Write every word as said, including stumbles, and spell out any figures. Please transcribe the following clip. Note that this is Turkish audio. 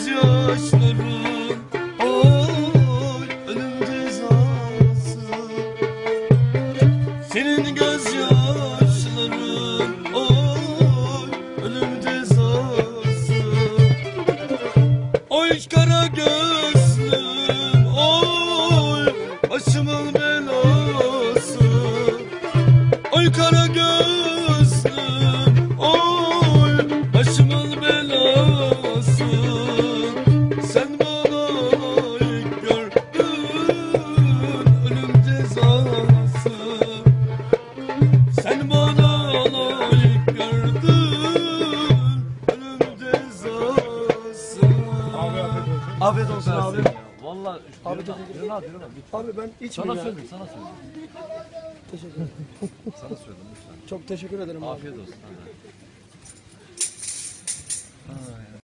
gözyaşların, oy ölüm cezası. Senin gözyaşların, oy ölüm cezası. Oy kara gözlüm, oy başımın belası. Oy kara gözlüm, oy başımın belası. Sen bana layık gördün ölüm cezası. Sen bana layık gördün ölüm cezası. Afiyet olsun abi. Vallahi Abi yürü lan, teşekkür yürü lan, yürü lan. Abi ben Sana içmeyeyim ya. söyledim, sana söyledim. Teşekkür ederim. Sana söyledim lütfen. Çok teşekkür ederim abi. Afiyet olsun. Hadi. Ay,